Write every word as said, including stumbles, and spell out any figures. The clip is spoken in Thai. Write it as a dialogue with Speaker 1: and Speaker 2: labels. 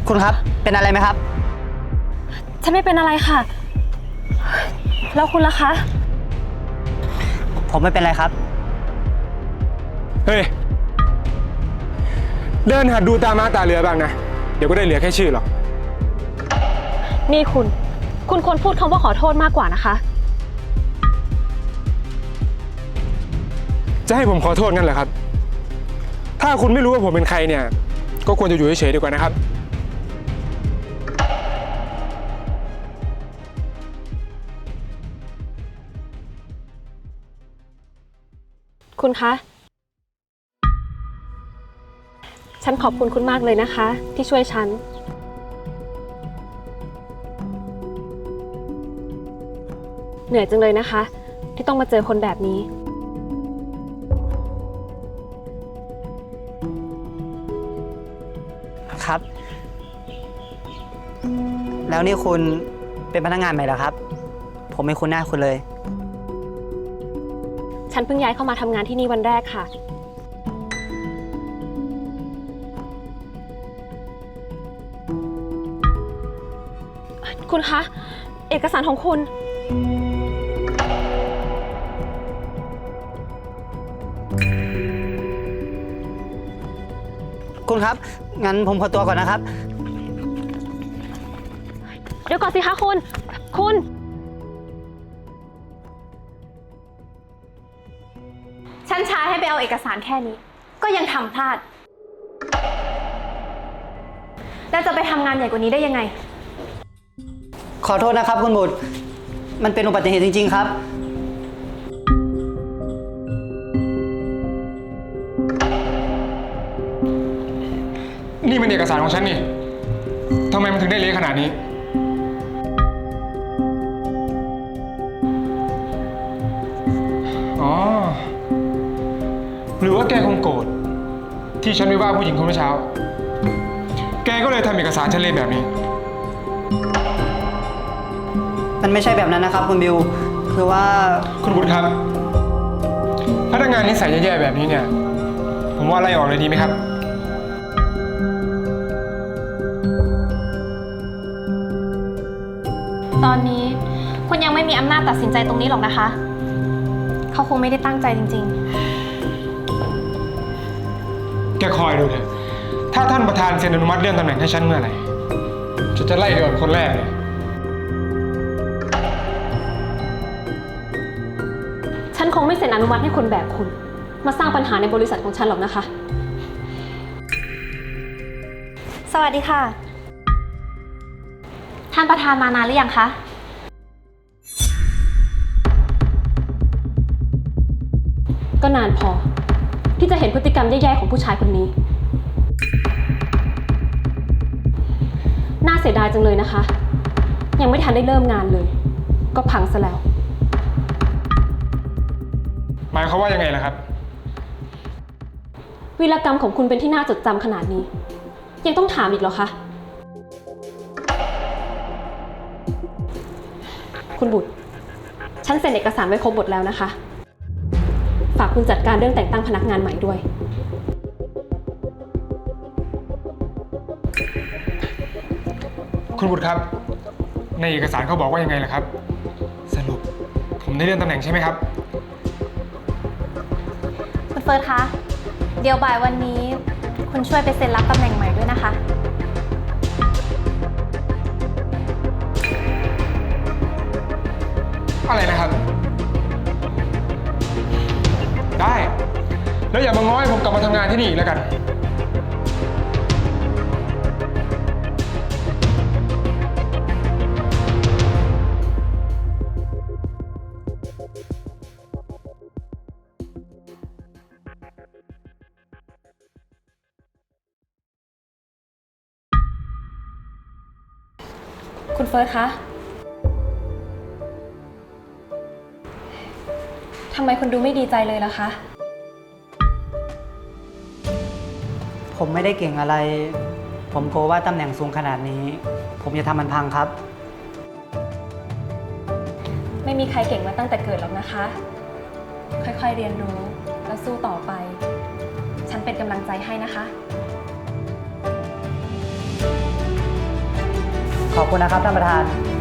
Speaker 1: คุณครับเป็นอะไรไหมครับ
Speaker 2: ฉันไม่เป็นอะไรค่ะแล้วคุณล่ะคะ
Speaker 1: ผมไม่เป็นไรครับ
Speaker 3: เฮ้ยเดินหัดดูตามาตาเรือบ้างนะเดี๋ยวก็ได้เหลือแค่ชื่อหรอก
Speaker 2: นี่คุณคุณควรพูดคำว่าขอโทษมากกว่านะคะ
Speaker 3: จะให้ผมขอโทษงั้นเหรอครับถ้าคุณไม่รู้ว่าผมเป็นใครเนี่ยก็ควรจะอยู่เฉยๆดีกว่านะครับ
Speaker 2: คุณคะฉันขอบคุณคุณมากเลยนะคะที่ช่วยฉันเหนื่อยจังเลยนะคะที่ต้องมาเจอคนแบบนี้
Speaker 1: ครับแล้วนี่คุณเป็นพนักงานใหม่เหรอครับผมไม่คุ้นหน้าคุณเลย
Speaker 2: ฉันเพิ่งย้ายเข้ามาทำงานที่นี่วันแรกค่ะคุณคะเอกสารของคุณ
Speaker 1: คุณครับงั้นผมขอตัวก่อนนะครับ
Speaker 2: เดี๋ยวก่อนสิคะคุณคุณฉันช้าให้ไปเอาเอกสารแค่นี้ก็ยังทำพลาดแล้วจะไปทำงานใหญ่กว่านี้ได้ยังไง
Speaker 1: ขอโทษนะครับคุณบุตรมันเป็นอุบัติเหตุจริงๆครับ
Speaker 3: นี่มันเอกสารของฉันนี่ทำไมมันถึงได้เละขนาดนี้อ๋อหรือว่าแกคงโกรธที่ฉันไปว่าผู้หญิงคนเมื่อเช้าแกก็เลยทำเอกสารฉันเละแบบนี้
Speaker 1: มันไม่ใช่แบบนั้นนะครับคุณบิวคือว่า
Speaker 3: คุณบุตรครับพนักงานนิสัยแย่ๆแบบนี้เนี่ยผมว่าไล่ออกเลยดีไหมครับ
Speaker 2: ตอนนี้คุณยังไม่มีอำนาจตัดสินใจตรงนี้หรอกนะคะเขาคงไม่ได้ตั้งใจจริง
Speaker 3: แกคอยดูเถอะถ้าท่านประธานเซ็นอนุมัติเลื่อนตำแหน่งให้ฉันเมื่อไหร่ฉันจะไล่เดือนคนแรกเลย
Speaker 2: ๆฉันคงไม่เซ็นอนุมัติให้คนแบบคุณมาสร้างปัญหาในบริษัทของฉันหรอกนะคะสวัสดีค่ะท่านประธานมานานหรือยังคะก็นานพอที่จะเห็นพฤติกรรมแย่ๆของผู้ชายคนนี้น่าเสียดายจังเลยนะคะยังไม่ทันได้เริ่มงานเลยก็พังซะแล้ว
Speaker 3: หมายความว่ายังไงล่ะครับ
Speaker 2: วีรกรรมของคุณเป็นที่น่าจดจำขนาดนี้ยังต้องถามอีกเหรอคะคุณบุตรฉันเซ็นเอกสารไว้ครบหมดแล้วนะคะฝากคุณจัดการเรื่องแต่งตั้งพนักงานใหม่ด้วย
Speaker 3: คุณบุตรครับในเอกสารเขาบอกว่ายังไงล่ะครับสรุปผมได้เลื่อนตำแหน่งใช่ไหมครับ
Speaker 2: คุณเฟิร์สคะเดี๋ยวบ่ายวันนี้คุณช่วยไปเซ็นรับตำแหน่งใหม่ด้วยนะคะ
Speaker 3: อะไรนะครับได้แล้วอย่ามาง้อให้ผมกลับมาทำงานที่นี่อีกแล้วกัน
Speaker 2: คุณเฟิร์สคะทำไมคุณดูไม่ดีใจเลยล่ะคะ
Speaker 1: ผมไม่ได้เก่งอะไรผมกลัวว่าตำแหน่งสูงขนาดนี้ผมจะทำมันพังครับ
Speaker 2: ไม่มีใครเก่งมาตั้งแต่เกิดหรอกนะคะ ค่อยๆเรียนรู้แล้วสู้ต่อไปฉันเป็นกำลังใจให้นะคะ
Speaker 1: ขอบคุณนะครับท่านประธาน